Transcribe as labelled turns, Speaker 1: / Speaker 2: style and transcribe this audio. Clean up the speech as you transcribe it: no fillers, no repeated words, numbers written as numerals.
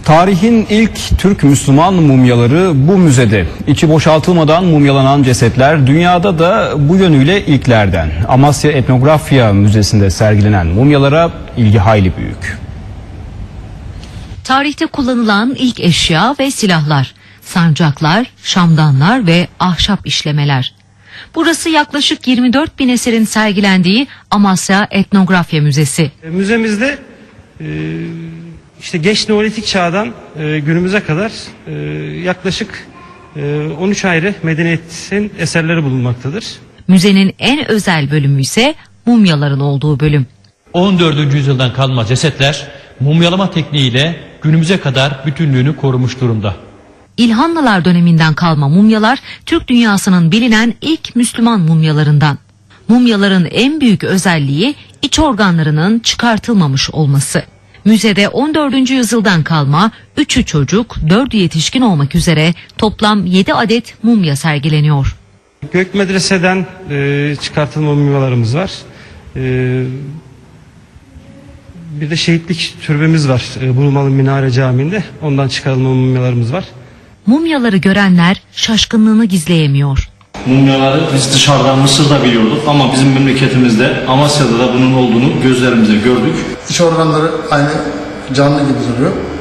Speaker 1: Tarihin ilk Türk Müslüman mumyaları bu müzede. İçi boşaltılmadan mumyalanan cesetler dünyada da bu yönüyle ilklerden. Amasya Etnografya Müzesi'nde sergilenen mumyalara ilgi hayli büyük.
Speaker 2: Tarihte kullanılan ilk eşya ve silahlar, sancaklar, şamdanlar ve ahşap işlemeler. Burası yaklaşık 24 bin eserin sergilendiği Amasya Etnografya Müzesi.
Speaker 3: Müzemizde işte geç Neolitik çağdan günümüze kadar yaklaşık 13 ayrı medeniyetin eserleri bulunmaktadır.
Speaker 2: Müzenin en özel bölümü ise mumyaların olduğu bölüm.
Speaker 4: 14. yüzyıldan kalma cesetler mumyalama tekniğiyle günümüze kadar bütünlüğünü korumuş durumda.
Speaker 2: İlhanlılar döneminden kalma mumyalar Türk dünyasının bilinen ilk Müslüman mumyalarından. Mumyaların en büyük özelliği iç organlarının çıkartılmamış olması. Müzede 14. yüzyıldan kalma 3'ü çocuk, 4'ü yetişkin olmak üzere toplam 7 adet mumya sergileniyor.
Speaker 3: Gök Medrese'den çıkartılma mumyalarımız var. Bir de şehitlik türbemiz var Burmalı Minare Camii'nde. Ondan çıkarılma mumyalarımız var.
Speaker 2: Mumyaları görenler şaşkınlığını gizleyemiyor.
Speaker 5: Mumyaları biz dışarıdan Mısır'da biliyorduk ama bizim memleketimizde Amasya'da da bunun olduğunu gözlerimize gördük.
Speaker 6: İç organları aynı canlı gibi duruyor.